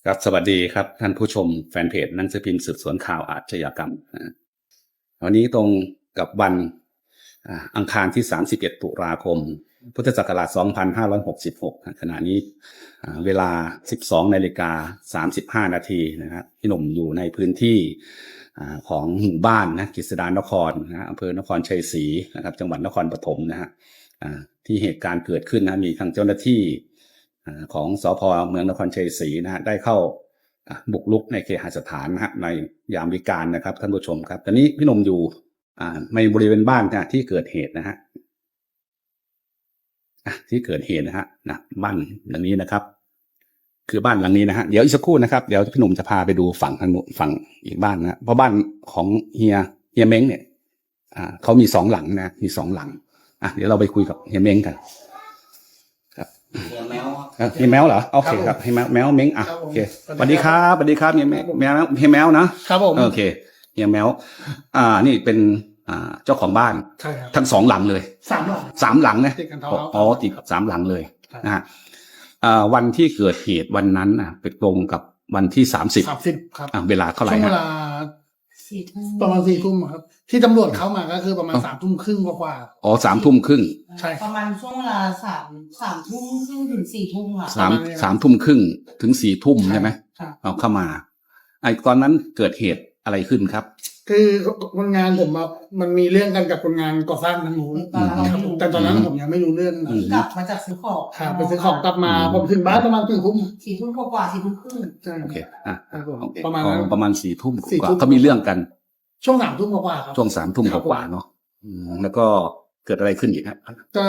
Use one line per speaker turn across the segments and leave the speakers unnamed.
ครับสวัสดีครับท่านผู้ชมแฟนเพจหนังสือพิมพ์สืบสวนข่าวอาชญากรรมวันนี้ตรงกับวันอังคารที่31ตุลาคมพุทธศักราช2566ขณะนี้เวลา 12:35 นาทีนะครับพี่หนุ่มอยู่ในพื้นที่ของหมู่บ้านนะกฤษดานครนะอำเภอนครชัยศรีนะครับจังหวัดนครปฐมนะฮะที่เหตุการณ์เกิดขึ้นนะมีทางเจ้าหน้าที่ของสภ.เมืองนครชัยศรีนะฮะได้เข้าบุกรุกในเคหสถานนะฮะในยามวิกาลนะครับท่านผู้ชมครับตอนนี้พี่หนุ่มอยู่ในบริเวณบ้านนะที่เกิดเหตุนะฮะที่เกิดเหตุนะฮะบ้านหลังนี้นะครับคือบ้านหลังนี้นะฮะเดี๋ยวอีกสักครู่นะครับเดี๋ยวพี่หนุ่มจะพาไปดูฝั่งทางฝั่งอีกบ้านนะเพราะบ้านของเฮียเม้งเนี่ยเขามี2หลังนะมี2หลังเดี๋ยวเราไปคุยกับเฮียเม้งกัน
เฮียแมว
เฮียแมวเหรอโอเคครับเฮียแมวเม้งโอเคสวัสดีครับเฮียแมวนะครับผมโอเคเฮียแมวนี่เป็นเจ้าของบ้าน
ใช่ครับ
ทั้ง2หลังเลย3หลังนะติด3หลังเลยนะฮะวันที่เกิดเหตุวันนั้นเป็นตรงกับวันที่30
ครับ
เวลาเท่าไหร่
ช่วงเวลาประมาณ4 ทุ่มครับที่ตำรวจเข้ามาก็คือประมาณ3 ทุ่มครึ่งกว่า
3 ทุ่มครึ่ง
ใช่
ประมาณช่วงเวลาสามทุ่มครึ่งถึง4 ทุ่มค่ะ
3 ทุ่มครึ่งถึง4 ทุ่มใช่ไหมเอาเข้ามาตอนนั้นเกิดเหตุอะไรขึ้นครับ
คือคนงานผมมันมีเรื่องกันกับคนงานก่อสร้างทางนู้นแต่ตอนนั้นผมยังไม่รู้เรื่อง
กลับมาจากซื้อของ
ไปซื้อของกลับมาผมถึงบ้านประมาณ4 ทุ่ม
กว่า4 ทุ่มครึ่ง
ใช่
โอเค
ประมาณนั้น
ประมาณ4 ทุ่มกว่าเขามีเรื่องกัน
ช่วง3 ทุ่มกว่าครับ
ช่วง3 ทุ่มกว่าเนาะแล้วก็เกิดอะไรขึ้นอีกครับ
ก็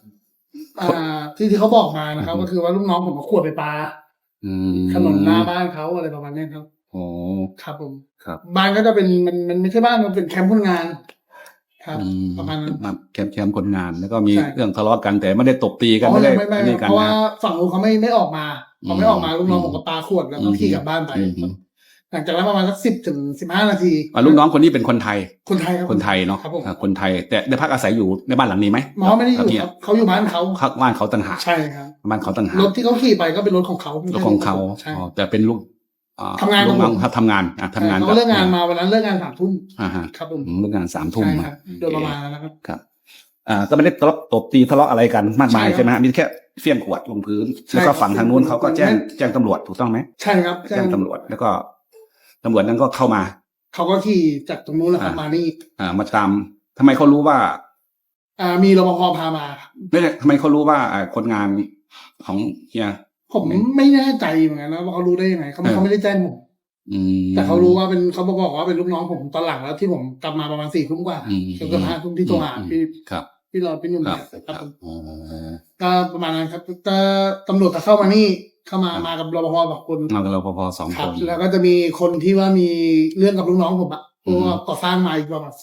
ที่เขาบอกมานะครับก็คือว่าลูกน้องผมมาขวดไปปลาถนนหน้าบ้านเขาอะไรประมาณนี้ครับ
อ๋อ
ครับผม
ครับ
บ้านก็จะเป็นมันไม่ใช่บ้านมันเป็นแคมป์คนงานครับประมาณนั้น
แคมป์คนงานแล้วก็มีเรื่องทะเลาะกันแต่ไม่ได้ตบตีกันไม่ได้
นี่กันเพราะว่าฝั่งนู้นเขาไม่ออกมาพอไม่ออกมาลูกน้องผมก็ปาขวดแล้วก็ขี่กลับบ้านไปหลังจากนั้นประมาณสัก10 ถึง 15 นาที
ลูกน้องคนนี้เป็นคนไทย
ครับ
คนไทยเนาะคนไทยแต่ได้พักอาศัยอยู่ในบ้านหลังนี้ไหม
ไม่ได้อยู่ครับเขาอยู่บ้านเขา
บ้านเขาต่างหาก
ใช่ครับ
บ้านเขาต่างหาก
รถที่เขาขี่ไปก็เป็นรถของเขา
แต่เป็นลูก
ทำงาน
ครับทำงาน
เขาเลิกงานมาวันนั้นเลิกงาน3 ทุ่มครับผม
เลิกงาน3 ทุ่ม
โดยประมาณนะครับ
ครับก็ไม่ได้ตบตีทะเลาะอะไรกันมากมายใช่ไหมมีแค่เฟี้ยงขวดลงพื้นแล้วก็ฝั่งทางนู้นเขาก็แจ้งตำรวจถูกต้องไหม
ใช่ครับ
แจ้งตำรวจแล้วก็ตำรวจนั้นก็เข้ามา
เขาก็ขี่จากตรงนู้นแล้วมานี่
มาตามทำไมเขารู้ว่า
มีรปภพามา
ไม่ใช่ทำไมเขารู้ว่าคนงานของเฮีย
ผมไม่แน่ใจเหมือนกันนะว่าเขารู้ได้ยังไงเขาไม่ได้แจ้งผมแต่เขารู้ว่าเป็นเขาบอกว่าเป็นลูกน้องผมตอนหลังแล้วที่ผมกลับมาประมาณ4 ทุ่มกว่าจนกระทั่ง5 ทุ่มที่โทรหาพี่รอพี่หนุ่มครับก็ประมาณนั้นครับตำรวจเข้ามานี่เข้ามากับรปภ2 คน
มากับรปภ2 คน
แล้วก็จะมีคนที่ว่ามีเรื่องกับลูกน้องผมเพราะว่าก่อสร้างมาอีกประมาณ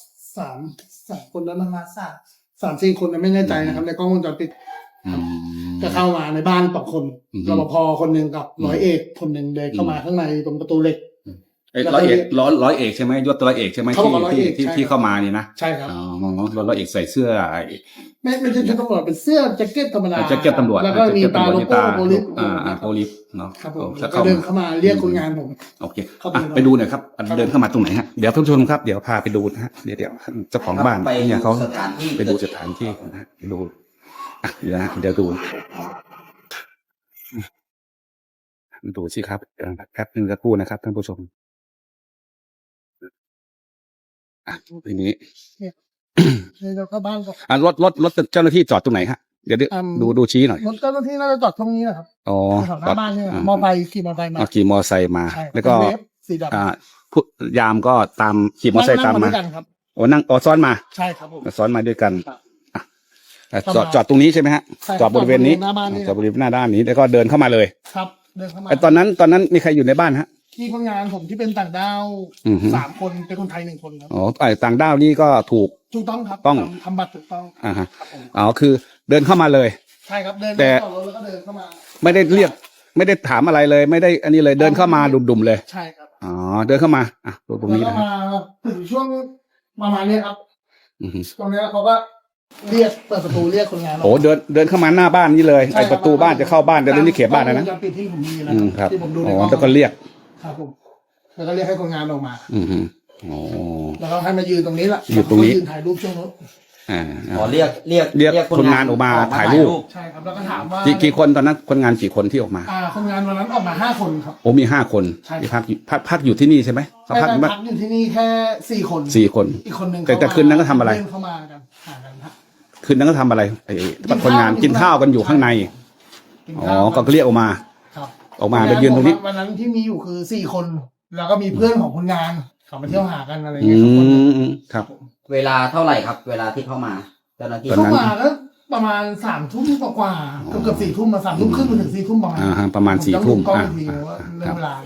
3 คนแล้วมา3-4 คนไม่แน่ใจนะครับในกล้องวงจรปิดจะเข้ามาในบ้าน2 คนรปภคนหนึ่งกับร้อยเอกคนหนึ่งเดินเข้ามาข้างในตรงประตูเหล็ก
ร้อยเอกใช่ไหมยศร้อยเอกใช่ไหมที่เข้ามานี่นะ
ใช่ครับ
ร้อยเอกใส่เสื้อ
ไม่ใช่ชุดตำรวจเป็นเสื้อแจ็คเก็ตธรรมดา
แจ็คเก็ตตำรวจ
แล้วก็มีตาโลโก้โพลิส
โพลิสเนาะ
ครับผมก็เดินเข้ามาเรียกคนงานผม
โอเคไปดูหน่อยครับเดินเข้ามาตรงไหนฮะเดี๋ยวท่านผู้ชมครับเดี๋ยวพาไปดูนะฮะเดี๋ยวเจ้าของบ้านเนี่ยเขาไปดูสถานที่นะไปดูเดี๋ยวดูสิครับแป๊บนึงสักครู่นะครับท่านผู้ชมทีนี้
เราเข้าบ้านก่อน
รถเจ้าหน้าที่จอดตรงไหนฮะเดี๋ยวดูชี้หน่อย
รถเจ้าหน้าที่น่าจะจอดตรงนี้นะครับหน้าบ้านเนี่ยมอไซค์ขี่มอไซค์
มาแล้วก็ยามก็ตามขี่มอไซค์ตามมานั่งซ้อนมา
ใช่ครับผม
ซ้อนมาด้วยกันจอดตรงนี้ใช่ไหมฮะจอดบริเวณนี้จอดบริเวณหน้าด้านนี้แล้วก็เดินเข้ามาเลย
ครับเดินเข้ามา
ตอนนั้นมีใครอยู่ในบ้านฮะ
ที่คนงานผมที่เป็นต่างด้าว3 คนเป็นคนไทย1 คนครับ
ต่างด้าวนี่ก็ถูก
ต้องครับ
ต้อง
ทำบัตรถูกต้อง
คือเดินเข้ามาเลย
ใช่ครับเดิน
แต่
แล้วก็เดินเข้ามา
ไม่ได้เรียกไม่ได้ถามอะไรเลยไม่ได้อันนี้เลยเดินเข้ามาดุ่มๆเลย
ใช่ครับ
เดินเข้ามาตรงนี้นะ
มาถึงช่วงประมาณนี้ครับตรงนี้เขาก็เรียกเปิดประตูเรียกคนงาน
โอ้เดินเข้ามาหน้าบ้านนี่เลย
ใช่
ไอประตูบ้านจะเข้าบ้านแต่เรื่องนี้เขตบ้านนะ
กล้องวงจรปิดที่ผมมีนะ
ครับ
ที่ผมดูใน
อ๋
กล้
อ
อง
แล้วก็เรียก
ครับผมแล้วก็เรียกให้คนงานออกมา
อ๋อ
แล้วก็ให้มายืนตรงนี้ละ
อยู่ตรงนี้
ยืนถ่ายรูปช่วงรถ
อ๋อเรียก
คนงานออกมาถ่ายรูป
ใช่ครับแล้วก็ถามว่า
กี่คนตอนนั้นคนงานกี่คนที่ออกมา
คนงานวันนั้นออกมา5 คนครับ
โอ้มี5 คน
ใช่
ที่พักอยู่ที่นี่ใช่ไหมเขา
ไม่
พัก
ได้พักอยู่ที่นี่แค่4 คน
4 คน
อีกคนหนึ่ง
แต่คืนนั้นก็ทำอะไร
เพื่นเข้ามากันหากันฮะ
คืนนั้นก็ทำอะไรไอ้คนงานกินข้าวกันอยู่ข้างใน
กิน
อ๋อ
ข้าว
ก็เรียกออกมา
ครับ
ออกมาไปยืนตรงนี้
วันนั้นที่มีอยู่คือ4 คน แล้วก็มีเพื่อนของคนงานเขามาเที่ยวหากันอะไร
อื
เงี้ยทุกคน
มครับ
เวลาเท่าไหร่ครับ เวลาที่เข้ามาเจ้าหน้าที่
ตอนนั้น
เข้ามาแล้วประมาณ3 ทุ่มกว่าๆเกือบ4 ทุ่มมา3 ทุ่มครึ่งจนถึง4 ทุ่มประมาณ
ฮะประมาณ4 ทุ่ม
ก็
อ่า
ทีว่าเรื่องเวลา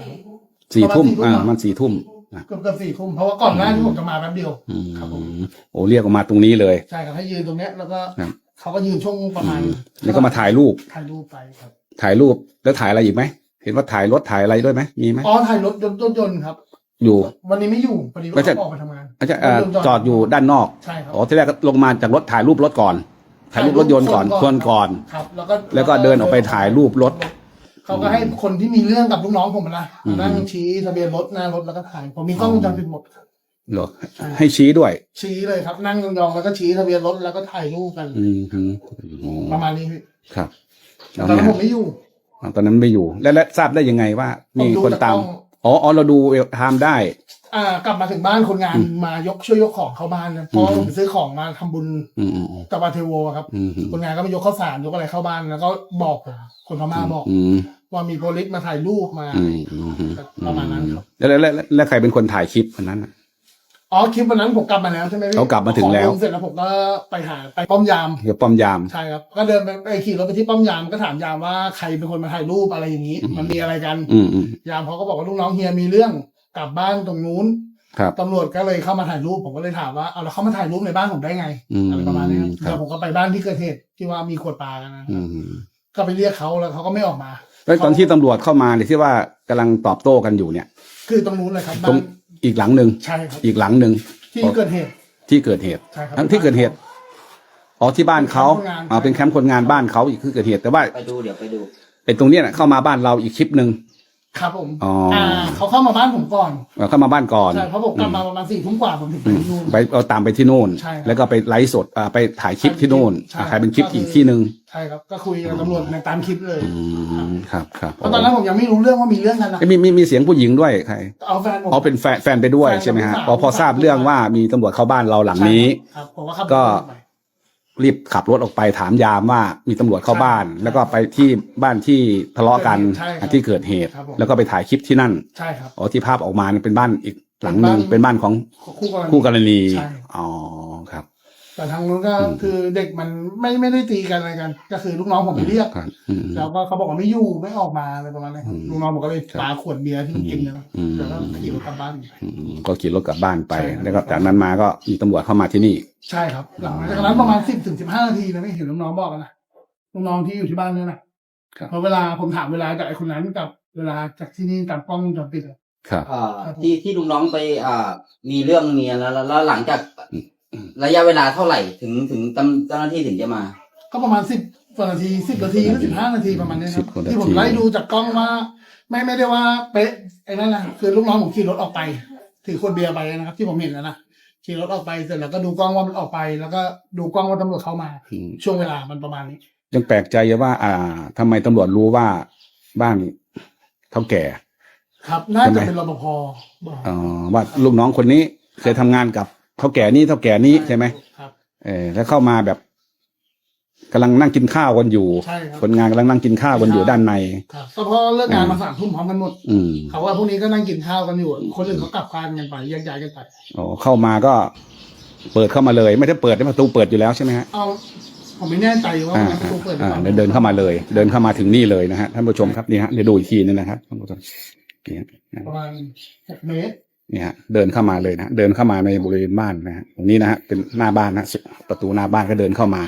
4 ทุ่มมัน4 ทุ่ม
เกือบ4 ทุ่มเพราะว่าก่อนหน้าที่ผมจะมาแป๊บเดียว ครับผม
โอ้เรียกออกมาตรงนี้เลย
ใช่ครับให้ยืนตรงเนี้ยแล้วก็
ครับ
เขาก็ยืนช่วงประมาณ
แล้วก็มาถ่ายรูป
ถ่ายรูปไปครับ
ถ่ายรูปแล้วถ่ายอะไรอีกไหมเห็นว่าถ่ายรถถ่ายอะไรด้วยไหมมีไหม
อ๋อถ่ายรถยนต์ครับ
อยู่
วันนี้ไม่อยู่พอดี
ไม่
ว่า
ใช่
เขาออกไปทำงาน
อาจจะจอดอยู่ด้านนอก
ใช่ครับ
อ๋อที่แรกก็ลงมาจากรถถ่ายรูปรถก่อน ถ่ายรูปรถยนต์ก่อนชวนก่อน
ครับ
แล้วก็เดินออกไปถ่ายรูปรถ
เขาก็ให้คนที่มีเรื่องกับลูกน้องผมนะนั่งชี้ทะเบียนรถหน้ารถแล้วก็ถ่ายผมมีกล้องวงจรปิดหมด
เหรอให้ชี้ด้วย
ชี้เลยครับ นั่งยองๆแล้วก็ชี้ทะเบียนรถแล้วก็ถ่ายรูปกัน
อ๋อ
ประมาณนี้พี่
ครับ
ตอนนั้นผมไม่อยู่
ตอนนั้นไม่อยู่และทราบได้ยังไงว่า มีคนตาม
ผมดูจากกล้อง
อ๋อเราดูเวลไทม์ได้
กลับมาถึงบ้านคนงานมช่วยยกของเข้าบ้านนะเพราะผมไปซื้อของมาทำบุญ
อืม
กับวาเทโวครับ คนงานก็มายกข้าวสารยกอะไรเข้าบ้านแล้วก็บอกผมคนพม่าบอก ว่ามีโพลิสมาถ่ายรูปมาประมาณนั้นครับ
แล้วใครเป็นคนถ่ายคลิปวันนั้น
อ๋อคลิปวันนั้นผมกลับมาแล้วใช่ไหมพี่
เขากลับมาถึงแล้ว
ขอเสร็จแล้วผมก็ไปป้อมยาม
เกี่ยวป้อมยาม
ใช่ครับก็เดินไปขี่รถไปที่ป้อมยามก็ถามยามว่าใครเป็นคนมาถ่ายรูปอะไรอย่างนี้ มันมีอะไรกัน ยามเขาก็บอกว่าลูกน้องเฮียมีเรื่องกลับบ้านตรงนู้น
ครับ
ตำรวจก็เลยเข้ามาถ่ายรูปผมก็เลยถามว่าเอาแล้วเขามาถ่ายรูปในบ้านผมได้ไงอะไรประมาณนี้ครับ
ครับ
แล้วผมก็ไปบ้านที่เกิดเหตุที่ว่ามีขวดปลากันนะก็ไปเรียกเขาแล้วเขาก็ไม่ออกมา
แล้วตอนที่ตำรวจเข้ามาเนี่ยที่ว่ากำลังตอบโต้กันอยู่เนี่ย
คือตรงนู้นเลยครับ
ตร
บ้าง น
อีกหลังหนึ่ง
ใช่ครับ
อีกหลังหนึ่ง
ที่เกิดเหตุ
ที่เกิดเหตุ
ใช่ครับ
ทั้งที่เกิดเหตุอ๋อที่บ้านเขา
เป็นแคมป์คนงาน
เป็นแคมป์คนงานบ้านเขาอีกที่เกิดเหตุแต่ว่า
ไปดูเดี๋ยวไปดู
ไอ้ตรงเนี้ยน่ะเข้ามาบ้านเราอีกคลิปหนึ่ง
ครับผม
อ๋อ
เขาเข้ามาบ้านผมก่อน
เข้ามาบ้านก่อน
ใช่เพราะผมกลับมาประมาณ4 ทุ่มกว่าผมถึงไปที่นู่น
ไปเอาตามไปที่โน่น
ใช่ครับ
แล้วก็ไปไลฟ์สดไปถ่ายคลิปที่โน่น
ใช่
ถ่ายเป็นคลิปอีกที่หนึ่ง
ใช่ครับก็คุยกับตำรวจในตามคลิปเลย
ครับครับ
เพราะตอนนั้นผมยังไม่รู้เรื่องว่ามีเรื่องกันนะ
มีเสียงผู้หญิงด้วยใคร
เอาแฟนผม
อ๋อเป็นแฟนไปด้วย
แฟน
ใช่ไหมฮะ
ลูกสาว
พอทราบเรื่องว่ามีตำรวจเข้าบ้านเราหลังนี้
ครับผมว่าขับ
ก็
รถไป
รีบขับรถออกไปถามยามว่ามีตำรวจเข้าบ้าน แล้วก็ไปที่บ้านที่ทะเลาะกัน
ใช่ครับ
ที่เกิดเหตุ
ครับผม
แล้วก็ไปถ่ายคลิปที่นั่น
ใช่ครับ
อ๋อที่ภาพออกมาเนี่ยเป็นบ้านอีกหลังหนึ่ง
เป็
เป็น
น
บ้า
บ้าน น
ของ
คู่กรณี
คู่กรณี
ใช่
อ๋อครับ
แต่ทางนู้นก็คือเด็กมันไม่ได้ตีกันอะไรกัน ก็คือลูกน้องผมไปเรียก
ครับ
แล้วก็เขาบอกว่าไม่อยู่ไม่ออกมาอะไรประมาณนี้ครับลูกน้องผมก็เลยปาขวดเบียร์ที่มันกินนะแล้วก็ขี่รถกลับบ้าน
ก็ขี่รถกลับบ้านไป
ใช่ครับ
แล้วก็จากนั้นมาก็มีตำรวจเข้ามาที่นี่
ใช่ครับ หลังจากนั้นประมาณ10 ถึง 15 นาทีนะไม่เห็นลูกน้องบอกกันนะลูกน้องที่อยู่ที่บ้านเนี่ยนะครับ เพราะเวลาผมถามเวลาจากไอ้คนนั้นกับเวลาจากที่นี่ตามกล้องวงจรปิดอะ
ครับ
ที่ลูกน้องไปมีเรื่องเมียแล้วหลังจากระยะเวลาเท่าไหร่ถึงเจ้าหน้าที่ถึงจะมา ก็
ก็ประมาณ10 กว่านาที10 นาทีหรือ15 นาทีประมาณนี้ครับ
10 กว่านาที
ที่ผมไล่ดูจากกล้องว่าไม่ได้ว่าเป๊ะไอ้นั่นนะคือลูกน้องผมขี่รถออกไปถือขวดเบียร์ไปนะครับ ที่ผมเห็นนะขี่รถออกไปเสร็จแล้วก็ดูกล้องว่ามันออกไป แล้วก็ดูกล้องว่าตำรวจเข้ามา ช่วงเวลามันประมาณนี้
ยังแปลกใจอยู่ว่าทำไมตำรวจรู้ว่าบ้านเท่าแก่
ครับน่าจะเป็นรปภบอก
ว่าลูกน้องคนนี้เคยทำงานกับเท่าแก่นี้ใช่ไหม
ครับ
แล้วเข้ามาแบบกำลังนั่งกินข้าวกันอยู่
ใช่ครับ
คนงานกำลังนั่งกินข้าวกันอยู่ด้านใน
ครับก็เพราะเลิกงานมา3 ทุ่มพร้อมกันหมด
อืม
เขาว่าพวกนี้ก็นั่งกินข้าวกันอยู่ คนอื่นเขากลับบ้านกันไปแยกย้ายกันไป
อ๋อเข้ามาก็เปิดเข้ามาเลย ไม่ได้เปิดได้ประตูเปิดอยู่แล้วใช่ไหมฮะ
เอาผมไม่แน่ใจว่ามันประตูเปิดหรือเปล่า
เดินเข้ามาเลย เดินเข้ามาถึงนี่เลยนะฮะท่านผู้ชมครับนี่ฮะเดี๋ยวดูอีกทีนึงนะครับท่านผู้ชมนี่ฮะ
ประมาณ6 เมตร
นี่ฮะเดินเข้ามาเลยนะเดินเข้ามาในบริเวณบ้านนะฮะตรงนี้นะฮะเป็นหน้าบ้านนะประตูหน้าบ้านก็เดินเข้ามา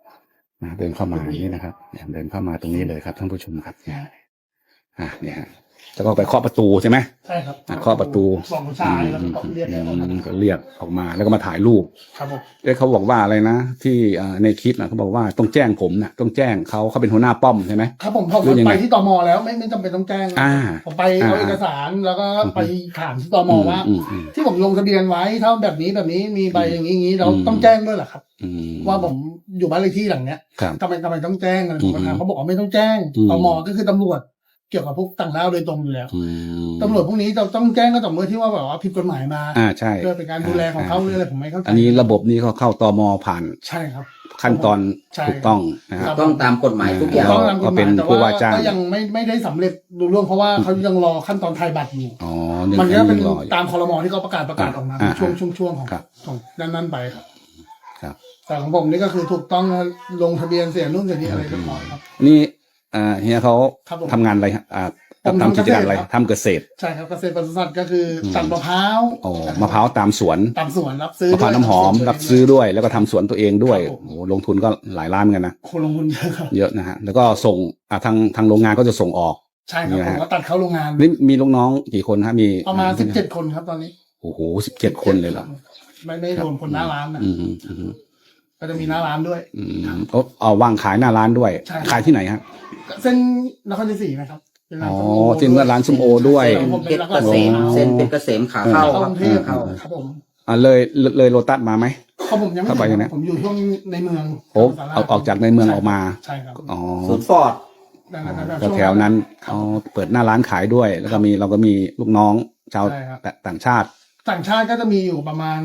เดินเข้ามาอย่างนี้นะครับเดินเข้ามาตรงนี้เลยครับท่านผู้ชมครับเนี่ยฮะแล้วก็ไปเคาะประตูใช่ไหม
ใช่ครับ
เคาะประตู
สองชายแล้วก็เรียก
ก็เรียกออกมาแล้วก็มาถ่ายรูป
ครับผม
เขาบอกว่าอะไรนะที่ในคลิปนะเขาบอกว่าต้องแจ้งผมนะต้องแจ้งเขาเป็นหัวหน้าป้อมใช่ไหม
ครับผม
หรือยังไง
ไปที่ตมแล้วไม่จำเป็นต้องแจ้ง
อ่า
ผมไปเอาเอกสารแล้วก็ไปถามที่ตมว่า
อืม
ที่ผมลงทะเบียนไว้ถ้าแบบนี้มีใบอย่างนี้เราต้องแจ้งด้วยเหรอครับ
อืม
ว่าผมอยู่บ้านเลขที่หลังเนี้ย
ครับ
ทำไมต้องแจ้งอะไรผมก็ถามเขาบอกว่าไม่ต้องแจ้ง
อืม
ตมก็คือตำรวจเกี่ยวกับพวกต่างด้าวโดยตรงอยู่แล้ว
อืม
ตำรวจพวกนี้เราต้องแจ้งก็ต่อเมื่อที่ว่าแบบว่าผิดกฎหมายมา
ใช่
เพื่อเป็นการดูแลของเขาหรืออะไรผมไม่เข้าใจ
อันนี้ระบบนี้เขาเข้าตมผ่าน
ใช่ครับ
ขั้นตอน
ใช่
ถูกต้องนะครับ
ต้องตามกฎหมายทุกอย่าง
ต้องตามกฎห
ก็เป็
มาย
น
แต่
ผู้ว่าจ้าง
ก็ยังไม่ได้สำเร็จรุ่ร่วงเพราะว่าเขายังรอขั้นตอนไทยบัตรอยู่
อ๋อ
มันก็เป็น
รออยู่
ตามคอรมอที่เขาประกาศออกมา
อ่า
ช่วงของ
ครับ
ของนั้นไปครับ
ครับ
แต่ของผมนี่ก็คือถูกต้องลงทะเบียนเสียนู่นเสียนี่อะไรเรียบร้อยครับ
นี่เฮียเขา
ครับผม
ทำงานอะไรฮะ
ผม
ทำกิจการอะไร
ทำเกษตรครับ
ทำเกษตร
ใช่ครับเกษตรปศุสัตว์ก็คือตัดมะพร้าว
อ๋อมะพร้าวตามสวน
ตามสวนรับซื้อ
มะพร้าวน้ำหอมรับซื้อด้วยแล้วก็ทำสวนตัวเองด้วยโอ้โหลงทุนก็หลายล้านเหมือนกันนะ
คนลงทุนเยอะครับ
เยอะนะฮะแล้วก็ส่งทางโรงงานก็จะส่งออก
ใช่ครับ
นี่
ผ
นะ
ม
ฮะ
ก็ตัดเข้าโรงงาน
นี่มีลูกน้องกี่คนฮะมี
ประมาณ17 คนครับตอนนี้
โอ้โห17 คนเลยเหรอ
ไม่รวมคนหน้าร้านนะ
อืมอืม
ก็จะมีหน้าร้านด้วย
อืมเอาวางขายหน้าร้านด้วย
ใช่
ขายที่ไหนฮะ
เส้นนครชัยศรีนะครับเป็นร้าน
อ๋อ
ส้มโอ
ที่เมื่อร้านส้มโอด้วย
ใช่ผม
เพ
เป็น
ชร
ร้าน
เกษม
ส้โอ
เส้นเพชรเกษมขาเข้า
เข้ากรุงเทพ
เข้า
ครับผม
เลยโลตัสมาไหม
เขาผมยังไม่
เข้าไปยังไง
ผมอยู่ช่วงในเมือง
โอ้ออกจากในเมืองออกมา
ใช่ครับ
อ๋อ
ศูนย์ฟอร์ด
ดังนั้นแบบ
ก็แถวนั้นเอาเปิดหน้าร้านขายด้วย แล้วก็เราก็มีลูกน้องชาว
ใช่ครับ
ต่างชาติ
ต่างชาติก็จะมีอยู่ประมาณ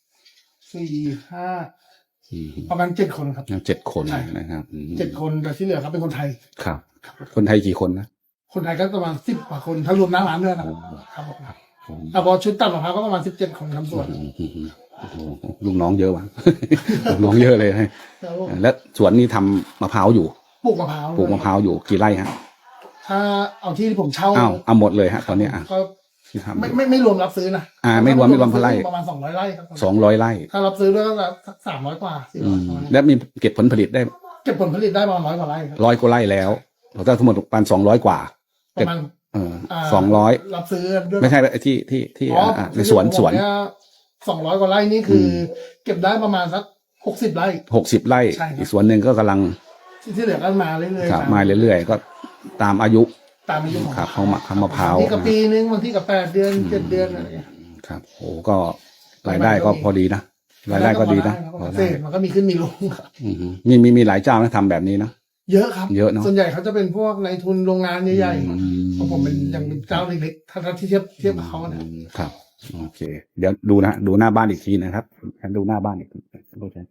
4-5ประมาณ7 คนครับ
7 คน
ใช่
นะครับ
7 คนแต่ที่เหลือครับเป็นคนไทย
ครับ คนไทยกี่คนนะ
คนไทยก็ประมาณ10 กว่าคนถ้ารวมหน้าร้านด้วยนะครับครับผมพอชุดตัดมะพร้าวก็ประมาณ17 คนทำสวน
โอ้โหลูกน้องเยอะว่ะ ลูกน้องเยอะเลยให้
แล้ว
แล้วสวนนี้ทำมะพร้าวอยู่
ปลูกมะพร้าว
ปลูกมะพร้าวอยู่กี่ไร่ฮะ
ถ้าเอาที่ผมเช่า
เอาหมดเลยฮะตอนนี้
ก็
ที่ทำ
ไม่รวมรับซื้อนะ
ไม่รวมพะไร่
ประมาณ200 ไร่ครับ
200 ไร่
ถ้ารับซื้อด้วยก็300 กว่า
อืม
400
แล้วมีเก็บผลผลิตได้
เก็บผลผลิตได้ประมาณ100 กว่าไร่ครับ
100 กว่าไร่แล้วถ้าทั้งหมดประมาณ200 กว่า
ประมาณ
200
รับซื้อด้วย
ไม่ใช่ที่ในสวน
200 กว่าไร่นี่คือเก็บได้ประมาณสัก60 ไร่
60 ไร่
ใช่ครับ
อีกสวนหนึ่งก็กำลัง
ที่เหลือก็มาเรื่อย
ครับ
ๆ
มาเรื่อยๆก็ตามอายุ
ตามอายุของ
ครับเขามะพร้าว
บางที่กับปีนึงบางที่กับ8 เดือน 7 เดือนอะไรอย่างเงี้ย
ครับโอ้ก็รายได้ก็พอดีนะรายได้ก็ดีนะพอ
เศ
ได้
ษมันก็มีขึ้นมีลงครับ
อืมมีหลายเจ้านะทำแบบนี้นะ
เยอะครับ
เยอะเนอะ
ส่วนใหญ่เขาจะเป็นพวกในทุนโรงงานใหญ่
อื
ๆของผมเป็นยังเป็นเจ้าเล็กๆถ้าที่เทียบกับเขานะ
ครับโอเค เดี๋ยวดูหน้าบ้านอีกทีนะครับดูหน้าบ้านอีกทีดูใช่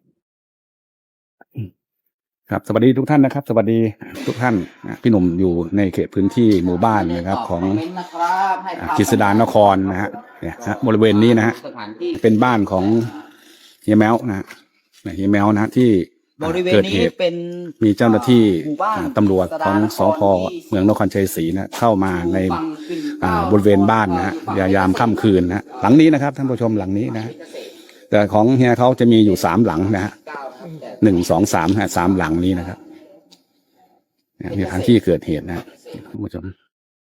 ครับสวัสดีทุกท่านนะครับ สวัสดีทุกท่านพี่หนุ่มอยู่ในเขตพื้นที่หมู่บ้านนะครับ ของกฤษดานครนะฮะเนี่ยฮะบริเวณนี้นะฮะ
สถานที่
เป็นบ้านของเฮียแมวนะฮะเฮียแมวนะฮะที่
บริเวณ
เกิด
นี้
เหตุ
เป็น
มีเจ้าหน้าที่
หมู่บ้าน
ตำรวจของสพเมืองนครชัยศรีนะเข้ามาในบริเวณบ้านนะฮะยามค่ำคืนนะฮะหลังนี้นะครับท่านผู้ชมหลังนี้นะฮะแต่ของเฮียเขาจะมีอยู่3 หลังนะฮะ 1 2 3ฮะ3 หลังนี้นะครับนี่ทางที่เกิดเหตุนะฮะท่านผู้ชม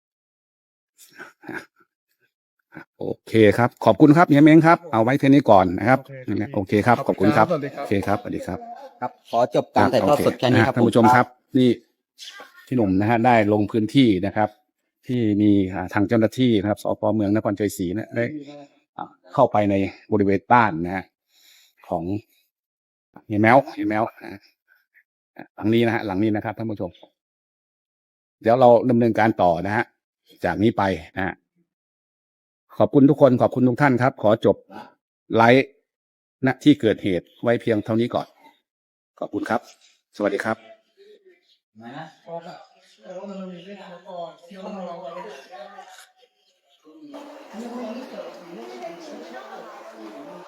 โอเคครับ ขอบคุณครับเฮียเม้งครับเอาไว้เท่านี้ก่อนนะครับโอเคครับขอบคุณครับ
สวัสดีครับ
โอเคครับสวัสดีครับ
ครับขอจบการถ่ายทอดสดแค่นี้ครับ
ท่านผู้ชมครับ นี่พี่หนุ่มนะฮะได้ลงพื้นที่นะครับ ที่มีทางเจ้าหน้าที่นะครับสพเมืองนครชัยศรีนะได้เข้าไปในบริเวณบ้านนะฮะของเฮียแมวนะหลังนี้นะฮะหลังนี้นะครับท่านผู้ชม เดี๋ยวเราดำเนินการต่อนะฮะจากนี้ไปนะฮะขอบคุณทุกคนขอบคุณทุกท่านครับ ขอจบไลฟ์ณที่เกิดเหตุไว้เพียงเท่านี้ก่อนขอบคุณครับ สวัสดีครับ
นะ